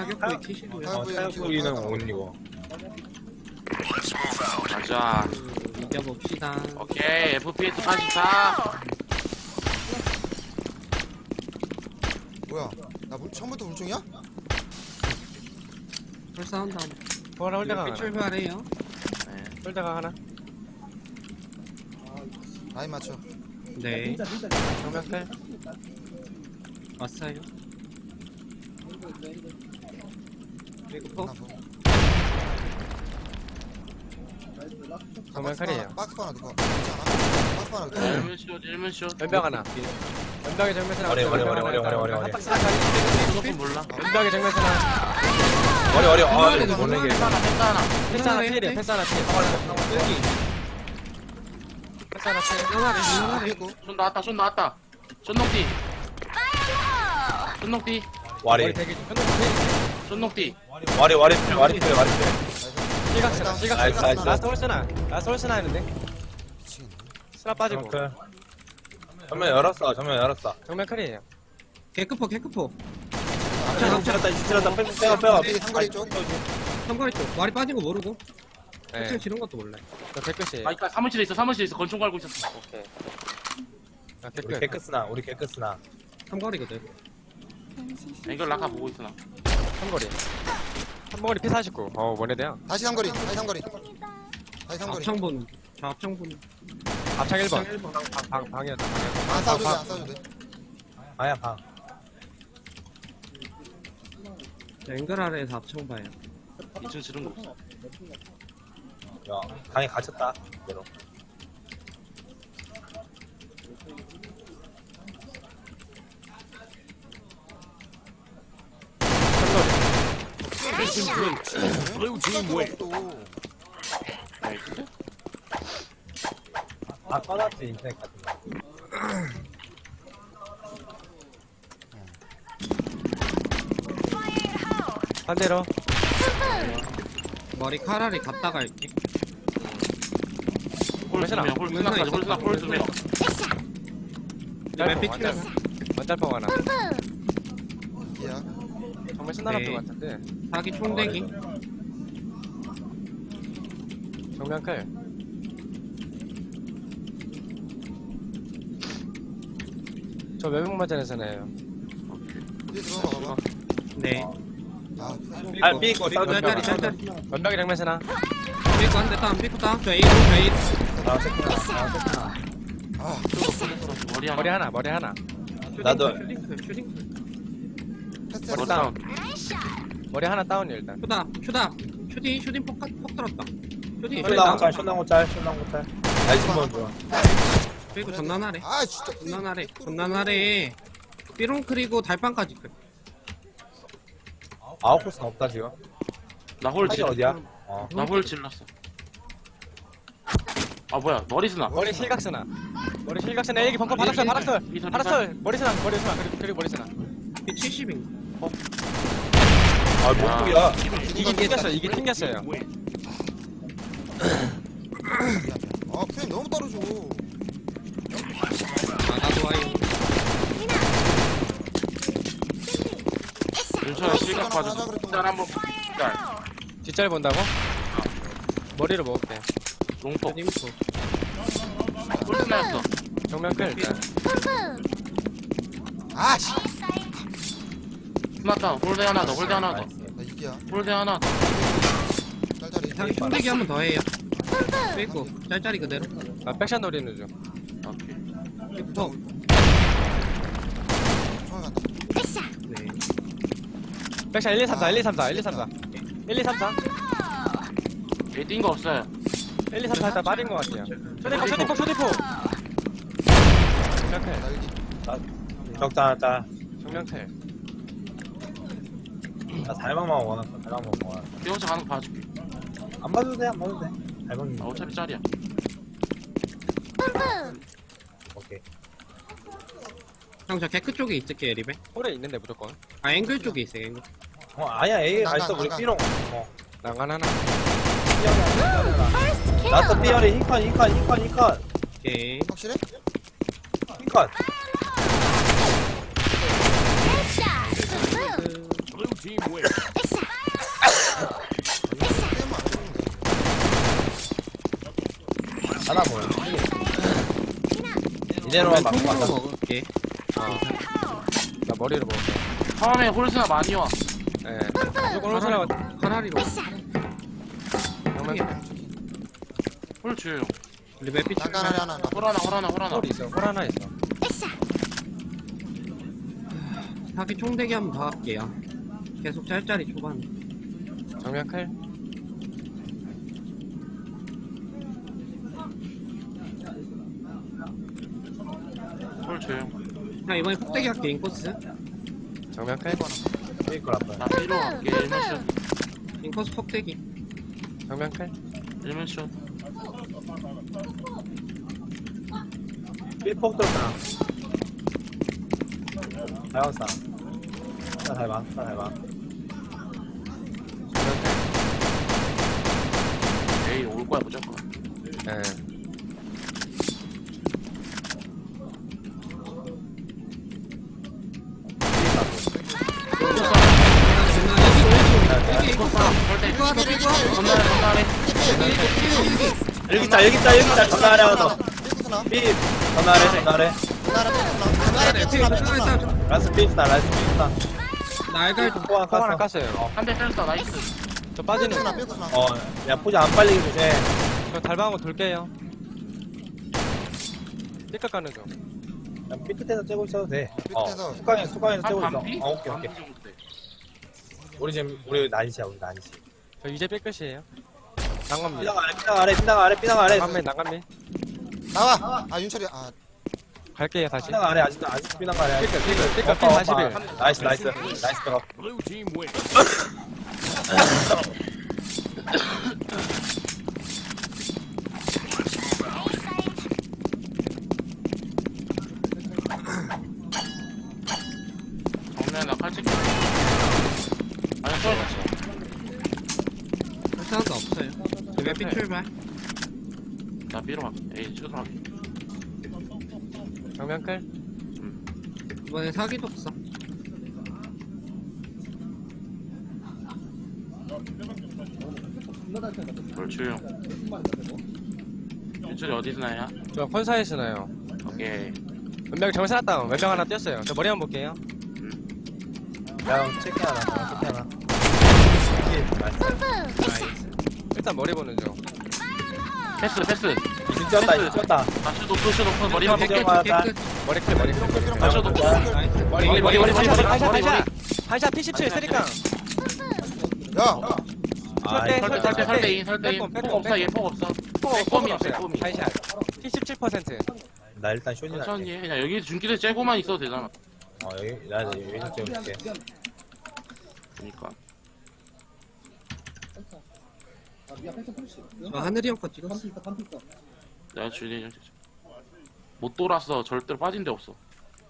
타격부위 키시고요. 타격부위는 온이고. 가자. 이겨봅시다. 오케이, FPS 84. 뭐야? 나 처음부터 물총이야? 불사운드 뭐라 홀대가 하나. 출발해요. 네. 홀대가 하나. 라인 맞춰. 네, 정면클. 왔어요. 그리고 하나 더. 정면클이에요. 박스 하나 넣고. 괜찮아? 박스 하나 넣고. 일문쇼. 연병 하나. 연병의 정면선 하나. 어려. 한 박스 하나. 조금 몰라. 연병의 정면선 하나. 어려. 이거 모르게. 패스 하나. 패스 하나 필이야. 패스 하나 필. 여기 패스 하나 필. 하나를 됐고. 손 나왔다. 손녹디. 손녹디. 와리. 머리 대기 중. 현동 필. 손녹디. 와리. 실각스나. 나이스. 실각스나. 라스트 홀스나. 라스트 홀스나 했는데. 미치겠네. 스나 빠지고. 정면 열었어. 정면클이에요. 개크포. 지칠렀다. 빼가. 뒤에 상거리 쪽. 삼거리 쪽. 말이 빠진 거 모르고. 네. 패션 지른 것도 몰라. 저 개끝이에요. 아, 사무실에 있어. 권총 갈고 있었어. 오케이. 아, 우리 개끝. 개끄스나. 삼거리거든. 앵글 라카 보고 있어, 나. 한거리. 한거리 P49. 뭐네대요? 다시 상거리. 다시 상거리. 다시 상거리. 앞창본. 좌앞창본. 앞창 1번. 1번. 방이었다. 안 싸워도 돼. 안 싸워도 돼. 아야 방. 앵글 아래에서 앞창 봐요. 2층 지른 거 없어. 야 방에 갇혔다. 그대로. 나이스. 다 꺼놨지 인터넷 같은 거. 반대로. 머리 카라리 갔다 갈게. 홀 2명, 홀 2명. 맵 완달- 피치면 완달펑 하나. 이야. 정말 신나는 네. 것 같은데. 자기 총대기. 정면클. 저 외국 맞전에서네요. 뒤에 들어가 봐봐. 네. 아, 삐고 짤짤이. 연병의 정면선아. 삐고 한대 다운. 삐고 다운. 저 A로. 아, 머리 하나. 머리 하나. 나도. 슈딩. 패스. 머리 다운. 머리 하나 다운이야 일단. 슈다. 슈딩 폭 들었다. 슈딩. 쇼나고 짤. 나이스 번 좋아. 그리고 전난하래. 아, 진짜. 전난하래. 삐롱 그리고 달빵까지. 아웃코스는 없다 지금. 나홀 하기 질. 어디야? 나홀 질렀어. 아, 뭐야. 머리스나. 머리 실각선아. 머리 실각선아. 애기 벙커 바닥설. 머리선아. 그리고 머리선아. 이 70인가? 아 목국이야. 이게 튕겼어요. 아, 프레임 너무 떨어져. 나도 와요. 윤철아 실각 빠졌어. 짤 한번. 짤. 뒷자리 본다고? 머리로 먹을게. 롱폭. 슈딩포. 홀스나였어. 정면클 일단. 아, 씨. 스마트 홀대 하나 더. 나 이기야. 홀대 하나 더. 짤짤이. 자기 총대기 한 번 더 해요. 삐고. 짤짤이 그대로. 아 백샷 노리는 중. 오케이. 삐고. 총알 간다. 네. 백샷 1, 2, 3, 4. 1, 2, 3, 4. 얘 뛴 거 없어요. 1, 2, 3, 4 일단 빠진 것 같아요. 쇼디포. 정면클. 날기. 적자 짤. 정면클. 나 달방만 원했어. 뛰어서 가는 거 봐줄게. 안 봐도 돼. 달방이. 아, 어차피 짤이야. 오케이. 형, 저 개크 쪽에 있을게요, 리베. 홀에 있는데 무조건. 아, 앵글 쪽에 있어요, 앵글. 아니야 A 가 있어. 난간, 우리 난간. B롱. 난간 하나. 나스 B열이 흰컷. 오케이. 확실해? 흰컷. 그... 하나 보여. 이대로만 막고 왼쪽으로 가자. 먹을게. 나 머리로 먹을게. 처음에 홀스나 많이 와. 예. 조금 홀수나 하나리로. 정면 홀 조용. 우리 맵빛 난간 아래 하나. 홀 하나. 홀 있어. 홀 하나 있어. 사기 총대기 한번 더 할게요. 계속 짤짤이 초반. 정면 클. 홀 조용. 형 이번에 폭대기 할게 인코스. 정면 클. 페이커 라플. 나 B로 갈게. 1면 인코스 폭대기. 정면 클. 슛. 1면 슛. 삐폭 들었다. 자연사. 하나 잘 봐. 하나 잘 봐. 에이 올 거야 무조건. 예. 건너래. 여기 있다. 전화하래 하나 더. 삐꾸스나. 삐. 전화하래. 전화하래 삐꾸스나. 라스 삐스다. 날갈 좀. 포함 콩 하나 깠어. 깠어요. 한대 때렸어. 나이스. 저 빠지는. 삐꾸스나. 야 포즈 안 빨리게 조심해. 저 달방하고 돌게요. 삐끗 가는 중. 그냥 삐 끝에서 째고 있어도 돼. 삐끗에서. 수강에서 째고 있어. 반피? 오케이. 우리 난시야. 저 이제 삐끗이에요. 난감미. 삐당 아래. 난감미. 나와. 아 윤철이. 아 갈게요 다시. 삐당 아래. 아직도 삐당 아래. 삐끗 삐 41. 나이스. 나이스 들어. 정면 나 칼찍. 아니 쏠. 불쌍한 없어요. 맵빛 출발. 나 B로 갈게. 에이 슛하게. 정면 클. 이번에 사기도 없어. 홀 조용. 윤철이 어디서 나야? 저 컨사에 쓰나요? 오케이. 왼병 정면 살았다. 왼병 하나 띄었어요. 저 머리 한번 볼게요. 야 체크 하나. 나이스. 일단 머리 보는 중. 패스. 이승 쪘다. 다시 높은 머리만 패스. 볼게. 맞아. 머리 클 머리 클. 다시 높은. 머리. 한샷 P17 쓰리깡. 야. 설대인. 폭 없어. 얘 폭 없어. 빼꼼이야, 빼꼼이. 한샷 P17%. 나 일단 쇼니 천천히 할게. 해. 그냥 여기 중기대 째고만 있어도 되잖아. 여기 나 여기서 찍어줄게. 그니까. 저 하늘이 형 거 찍었어. 내가 주인이 못 돌았어. 절대로 빠진 데 없어.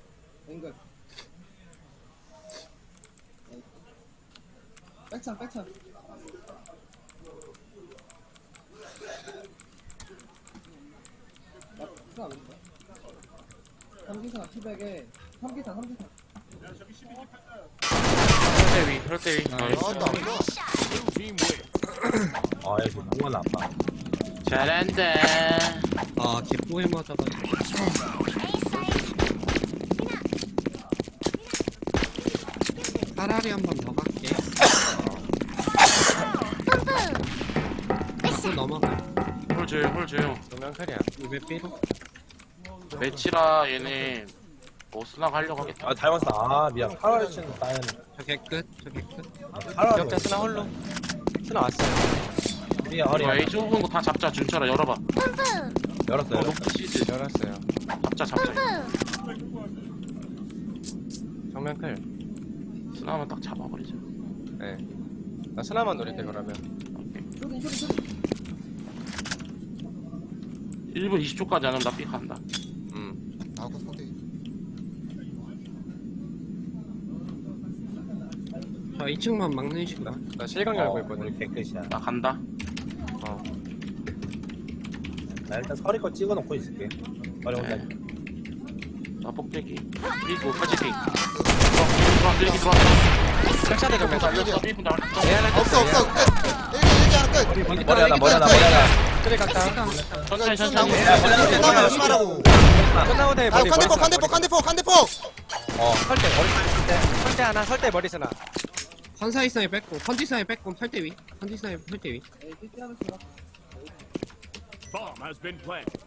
백창. 삼기사 티백에 삼기사. 설대 위. 나왔다. 여기 뭐가 나빠. 잘한다. 아 개뽀에 맞아가지고. 차라리 한 번 더 갈게. 또 넘어가. 홀 조용. 정면 클이야. 맵빛. 매치라 얘네 뭐 스나 가려고 하겠다. 닮았어. 미안. 파라를 치는 나는 저 개끝. 파라. 기억자 쓰나 홀로. 쓰나 왔어요. 우리야 허리. 이거 A 좁은 거 다 잡자. 준철아 열어봐. 열었어요. 높은 시즈. 열었어요. 잡자. 정면 클. 스나만 딱 잡아버리자. 네. 나 쓰나만 노릴게 그러면. 오케이. 1분 20초까지 안 하면 나 삐간다. 나하고 손대기. 저 2층만 막는 식으로. 나 실강 열고 있거든. 우리 개끝이야. 나 간다. 어. 나 일단 서리 거 찍어놓고 있을게. 서리 혼자. 나 폭대기. 그리고 칼찍기. 들어와. 백샷대 정면. 삐 분다. 내 하나 없어. 떴어. 끝. 일기 하나 끝. 머리 하나 머리 하나 머리 하나. 그래 갔다. 천천히 쭉 천천히. 나오고. 야, 머리 하나 머리 하나. 조심하라고. 끝나고 돼 아, 머리. 칸대폭. 설대 설대 하나 설대 머리 쓰나. 컨사이상에 뺐고 컨디상에 뺐고 8대 위. 컨디상에 8대 위. Bomb has been planted.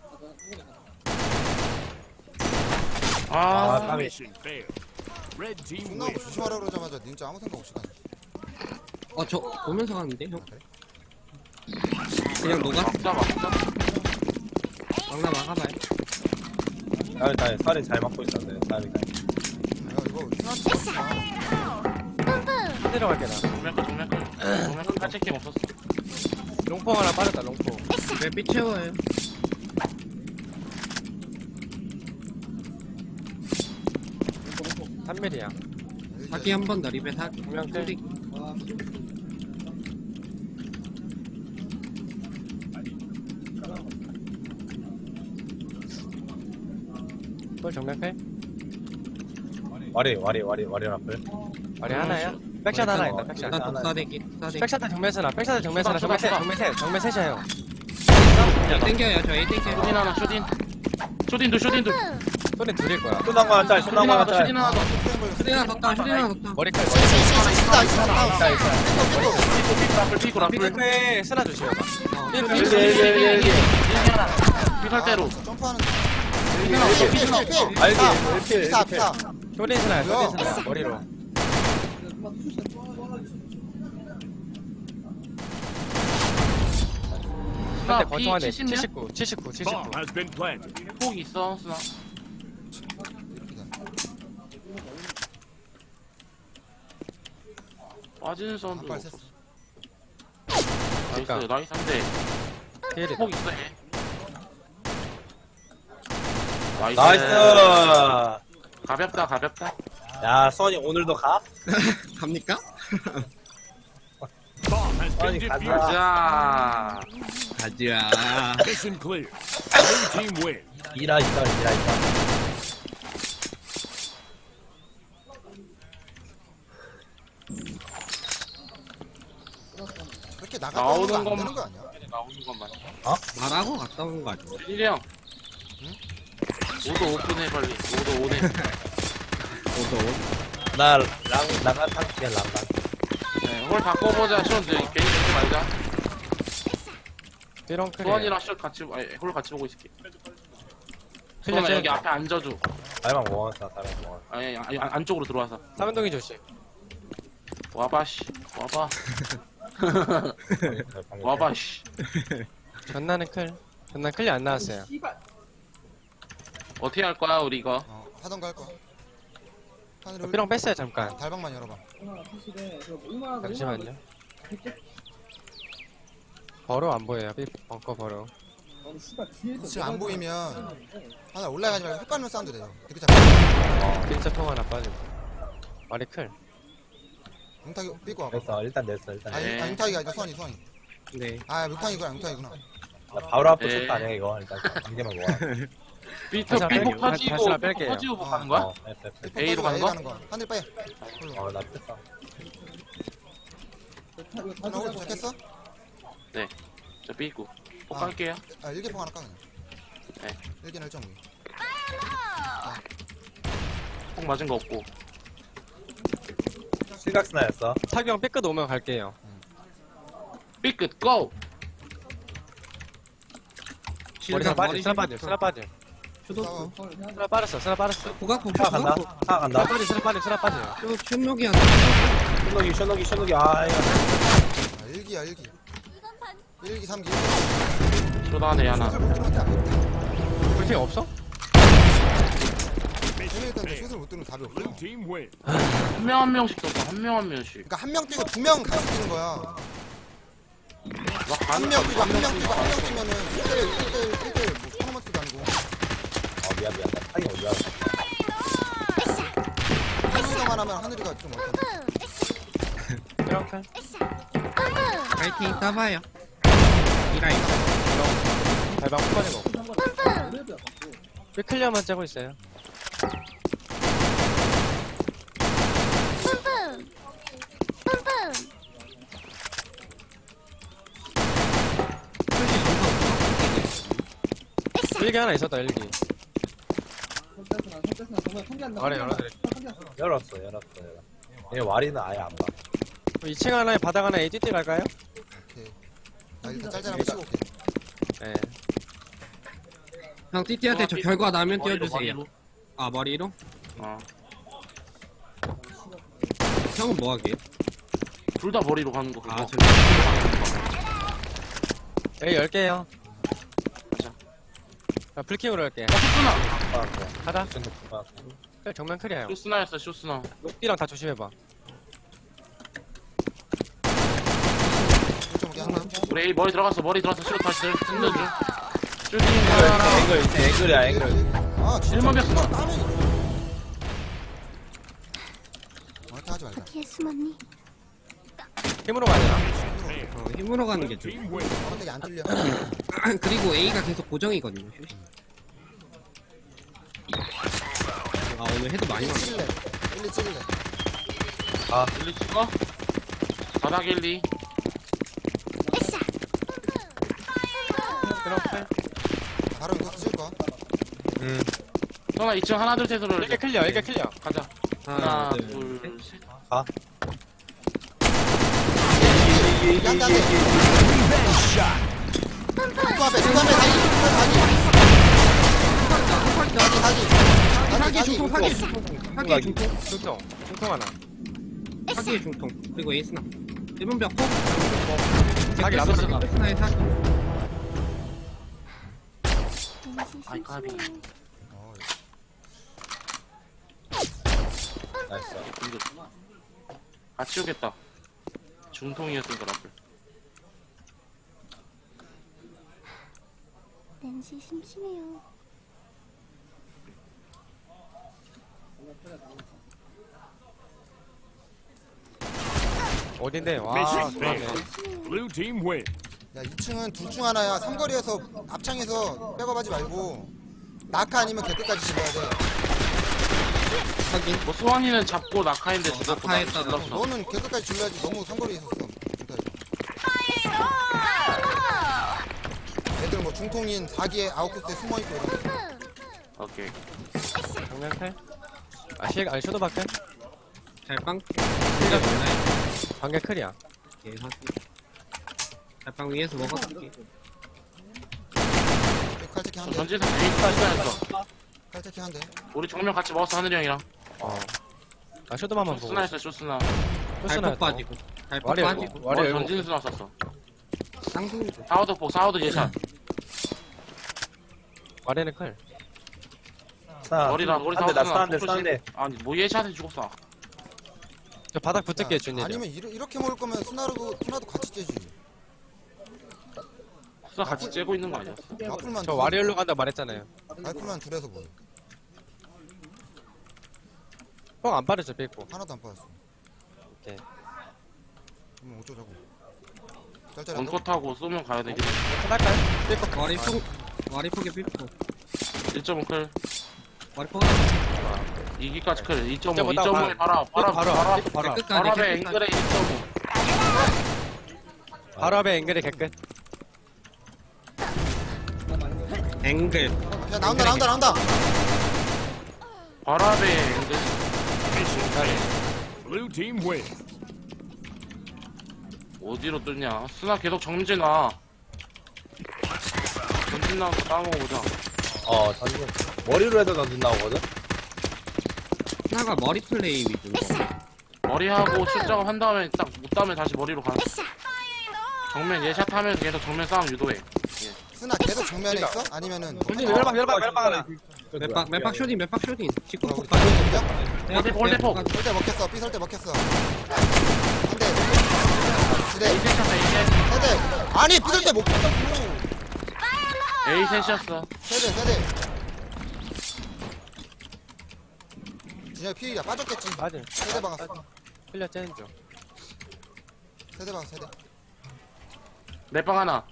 아, 까비. Mission failed. Red team 존나 wins. 조심하라 그러자마자 진짜 아무 생각 없이 가네. 저 보면서 가는데 형. 그냥 녹아. 막자 막자. 막나 막아봐요. 나 살이 잘 맞고 있었는데. 살이 야, 이거 스나치 없지 마. 내려갈게 나. 정면 칼체킹 없었어. 롱포 하나 빠졌다 롱포. 왜빛 채워요? 삼밀이야 사기 한 번 더 리베 사기. 분명 때. 소리. 볼 정면 패. 와리 라플. 머리 하나야. 백샷 하나 있다 백샷. 나 독사대기. 독사대기. 백샷 정면 쓰나. 백샷 정면 쓰나. 정면 셋 정면 셋이야 형. A 땡겨요. 저 A 땡겨요. 쇼딘 하나 쇼딘. 쇼딘도. 소리 둘일 거야. 쇼난 거 하나 짤. 쇼난 거 하나 짤. 쇼딘 하나 더. 슈리 하나 덥다. 슈리 하나 덥다. 머리칼. 피고 라플. 삐끗해 쓰나 조심해봐. 일기. 피살대로. 점프하는 알지. 피사. 쇼딘 쓰나야 뭐야? 쇼딘 쓰나. 머리로. 한대 권총 한대 79. Bomb has been planted. 폭 있어 쓰나. 빠지는 사운드. 한발 셌어. 나이스 한대. 피해리. 폭 있어 얘. 나이스. 가볍다. 야, 선이 오늘도 가? 갑니까? Bomb has been 아니, defused. 가자. 가자. Mission clear. Blue team win. 이라 있다. 그렇게 나갈 나오는 거안 것만. 되는 거 아니야? 나오는 것만. 말하고 갔다 온 거 아니야? 일이 형. 오도 오픈해 빨리. 오도 오네. 나간 상태야, 랑랑. 네, 홀 바꿔보자. 시원 괜히 보지 말자. 삐롱 크리. 소원이랑 시원 같이 홀 같이 보고 있을게. 클리어 소원아 여기 쟤. 앞에 앉아줘. 달방 모았어, 달방 모았어. 아니 안쪽으로 들어와서. 삼은동이 조심. 와봐 씨. 와봐 씨. 전나는 클. 전나 클리 안 나왔어요. 어떻게 할 거야 우리 이거? 하던가 할 거야. 하늘을 삐롱 뺐어요 잠깐. 달방만 열어봐. 잠시만요. 버로 안 보여요. 벙커 버로. 지금 안 보이면 하나 올라가지 말고 헷갈리는 사운드 내요. 되게 잘. 빈자 통 하나 빠지고. 머리 클. 뭉타기 삐고 와봐. 됐어, 일단 냈어. 네. 뭉타기가 아니라 수원이. 네. 아, 뭉타기구나. 나 바로 앞에 네. 쳤다, 아니야, 이거. 일단, 이제만 모아. 비트 삐복 다시 터지고 하나 뺄게요. 터지고 뭐 가는 거야? 됐어. A로 가는 거? 하늘 빼. 나 뺐어. 하나 오늘 도착했어? 저 삐고. 폭 아. 갈게요. 아, 일기포 하나 까 그냥. 네. 일기는 1.5. 폭 맞은 거 없고. 실각스나였어. 타경 삐끗 오면 갈게요. 삐끗 고! 머리 빠지. 쓰나 빠지. 슈도프. 쓰나 빠졌어. 고각폭. 차 간다. 차 간다. 쓰나 빠지. 슛록이 하나. 쇼노기. 아, 이거. 아, 일기야. 1기, 3기. 쇼다네 하나. 불팅 없어? 재미있던데 슛을 못 뜨는 답이 없어. Blue team win. 한 명 한 명씩 떴어. 한 명씩. 그러니까 한 명 뛰고 2명 같이 뛰는 거야. 막 한 가는 명 뛰고 한 명 뛰면은 1대1 뭐 토너먼트도 아니고 미안. 나 타이 어디야? 한 명만 하면 하늘이가 좀 어때? 삐롱 클. 파이팅 따봐요. 이라이. 발방 못 빠진 거. 삐 클리어만 째고 있어요. 일기 하나 있었다, 일기. 선택스나 정말 탐기 안 나와. 말해, 열어드릴게. 열었어. 얘 와리는 아예 안 봐. 2층 하나에 바닥 하나에 ATT 갈까요? 오케이. 나 일단 짤짤 한번 치고 올게. 네. 형 띠띠한테 저 결과 나면 띄워주세요. 머리로. 아 머리로? 어. 형은 뭐 하게요? 둘 다 머리로 가는 거 그거. 아 저 여기 10개요. 가자. 자, 불킹으로 할게. 쇼스나. 가자. 아, 그래, 정면 크리야, 형. 쇼스나였어 쇼스나. 녹디랑 다 조심해봐. 1.5개 하나. 우리 A 머리 들어갔어 쇼 다시 듣는 중. 쇼딩 하나. 앵글 있지, 앵글이야, 앵글. 아 진짜. 1만 몇 쓰나? 이렇게 하지 말자. 어디에 숨었니? 힘으로 가야 되나? 힘으로 가는 게 좋아. Team wins. 어떻게 안 뚫려. 그리고 A가 계속 고정이거든요. 아 오늘 해도 많이 1, 2 왔네. 찍을래. 1, 2 찍을래. 1, 2 찍어. 바닥 1, 2. 으쌰! 그렇게. 바로 이거 찍을 거야. 선아 2층 하나 둘 셋으로 일개 클리어, 일개 클리어. 가자. 하나 둘 셋. 양다 돼. 중구 앞에 사기. 사기 중통 사기 중통 중통 하나. 사기의 중통 그리고 에이스나 1번 벽 폭. 사기 나도 쓰나. 에이스나의 사기. 아이, 까비. 나이스. 이거 같이 오겠다. 중통이었으니까 라플. 낸시 심심해요. 어딘데? 와, Mission 그러네. failed. Blue team wins. 야 2층은 둘 중 하나야. 삼거리에서 앞창에서 백업하지 말고 낙하 아니면 개끝까지 집어야 돼. 확인. 뭐 수환이는 잡고 낙하인데 죽었고 나 낙하했다가 질렀어. 너는 개끝까지 질러야지. 너무 삼거리에 있었어. 애들 뭐 중통인 4기에 아웃코스에 숨어있고 이런 거. 오케이. 정면 클. 아, 아니, 쇼도 밖에? 잘빵. 관계 클이야. 예 사기. 잘빵 위에서 먹어줄게. 칼체키 한 대. 전지에서 에이스였어. 칼체키 한 대. 우리 정면 같이 먹었어 하늘이 형이랑. 아, 쇼도만 한번 보고. 쇼스나였어 쇼스나. 잘폭 빠지고. 잘폭 와리, 빠지고. 와리, 열고. 전진 수나 썼어. 쌍둥이죠. 사우드 폭 사우드 예샷. 와리는 클. 머리다 머리 사우드 나 수나. 싸는데, 폭 싸는데. 조심. 아니 뭐 예샷에 죽었어. 저 바닥 붙을게, 준이. 아니면 이렇게 먹을 거면 스나도 같이 째지. 수나 같이 째고 있는 거 아니었어? 라플만 저 와리얼로 간다고 말했잖아요. 라플만 둘에서 뭐 형 안 빠르죠, 삐고. 하나도 안 빠졌어. 오케이. 그럼 어쩌자고. 짤짤 안 원컷하고 쏘면 가야 되겠다. 할까요? 삐고. 와리 폭에 삐폭. 1.5 클. 와리 폭. 2기까지 클. 2.5. 2.5 2.5에 바로 바로, 바로 바로. 끝까지. 앞에 앵글에 1.5. 바로 앞에 앵글이 개끝. 앵글. 야 나온다. 바로 앞에 앵글. Blue team wins. 어디로 뚫냐? 스나 계속 정진 와. 전진 나와서 싸먹어보자. 전진. 머리로 해도 전진 나오거든? 하나가 머리 플레이 위주. 머리하고 출작업 한 다음에 딱 못 다음에 다시 머리로 가는. 정면 예샷 하면서 계속 정면 싸움 유도해. 스나 계속 정면에 있어? 아니면은 준이 멸방 하나. 맵박 쇼딘 맵박 쇼딘. 직구 우리 폭 빠져. 홀대폭, 홀대폭. 설대 먹혔어. 삐 설대 먹혔어. 한 대. 두 대. 에이셋 샷, 에이셋. 세 대. 아니 삐 설대 못 켰다고. 에이셋이었어. 세 대. 준혁 피야 빠졌겠지. 맞아. 세대 박았어. 클리어 째는 중. 세대 박았어. 세대. 넷방 하나.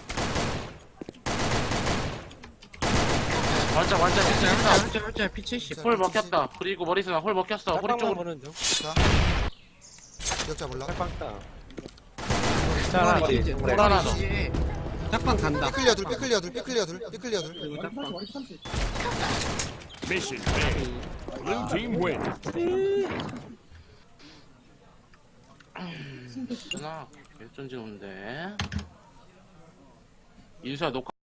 완짝, 진짜. 짤짤 P70. 홀 먹혔다. 그리고 머리스나 홀 먹혔어. 호리 짝방만 쪽으로. 보는 중. 자. 기억자 몰라. 짝방 따. 하나 자, 이제 그래. 하나 더. 이제 짝방 간다. 삐클리어 둘 삐클리어 둘 삐클리어 둘 삐클리어 둘 그리고 머리 30 짝방. 머리 30 Mission failed. Blue team wins. 누나 개쩐지 오는데. 인수야 녹화